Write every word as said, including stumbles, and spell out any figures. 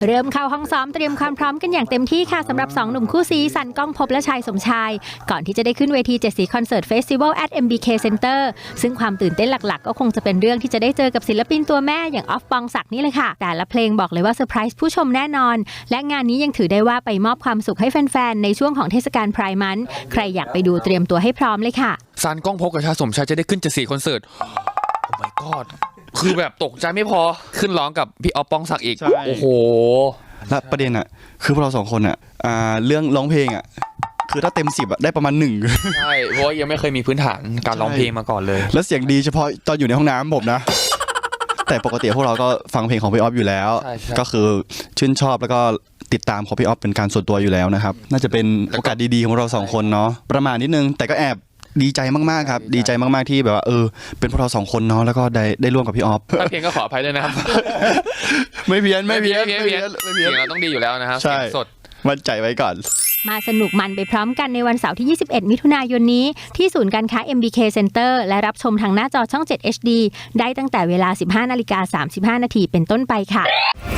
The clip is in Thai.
เริ่มเข้าห้องซ้อมเตรียมความพร้อมกันอย่างเต็มที่ค่ะสำหรับสองหนุ่มคู่ซีสันก้องภพและชัยสมชายก่อนที่จะได้ขึ้นเวทีเจ็ดสีคอนเสิร์ตเฟสติวัล at เอ็ม บี เค Center ซึ่งความตื่นเต้นหลักๆก็คงจะเป็นเรื่องที่จะได้เจอกับศิลปินตัวแม่อย่างออฟปองศักดิ์นี่เลยค่ะแต่ละเพลงบอกเลยว่าเซอร์ไพรส์ผู้ชมแน่นอนและงานนี้ยังถือได้ว่าไปมอบความสุขให้แฟนๆในช่วงของเทศกาลไพร์มันท์ใครอยากไปดูเตรียมตัวให้พร้อมเลยค่ะซันก้องภพกับชายสมชายจะได้ขึ้นเจ็ดสีคอนเสิร์ตโอ้ my god คือแบบตกใจไม่พอขึ้นร้องกับพี่ออฟปองศักดิ์อีกโอ้โหและประเด็นอ่ะคือพวกเราสองคนอ่ะเรื่องร้องเพลงอ่ะคือถ้าเต็มสิบอ่ะได้ประมาณหนึ่งใช่เพราะยังไม่เคยมีพื้นฐานการร้องเพลงมาก่อนเลยแล้วเสียงดีเฉพาะตอนอยู่ในห้องน้ำผมนะแต่ปกติพวกเราก็ฟังเพลงของพี่ออฟอยู่แล้วก็คือชื่นชอบแล้วก็ติดตามของพี่ออฟเป็นการส่วนตัวอยู่แล้วนะครับน่าจะเป็นโอกาสดีๆของเราสองคนเนาะประมาณนิดนึงแต่ก็แอบดีใจมากๆครับดีใจมากๆที่แบบว่าเออเป็นพวกเราสองคนเนาะแล้วก็ได้ได้ร่วมกับพี่ออฟถ้าเพียงก็ขออภัยด้วยนะครับไม่เพี้ยนไม่เพี้ยนไม่เพี้ยนไม่เพี้ยนเสียงเราต้องดีอยู่แล้วนะครับเสียงสดมั่นใจไว้ก่อนมาสนุกมันไปพร้อมกันในวันเสาร์ที่ยี่สิบเอ็ดมิถุนายนนี้ที่ศูนย์การค้า เอ็ม บี เค Center และรับชมทางหน้าจอช่องเจ็ด เอช ดี ได้ตั้งแต่เวลา สิบห้านาฬิกาสามสิบห้านาทีเป็นต้นไปค่ะ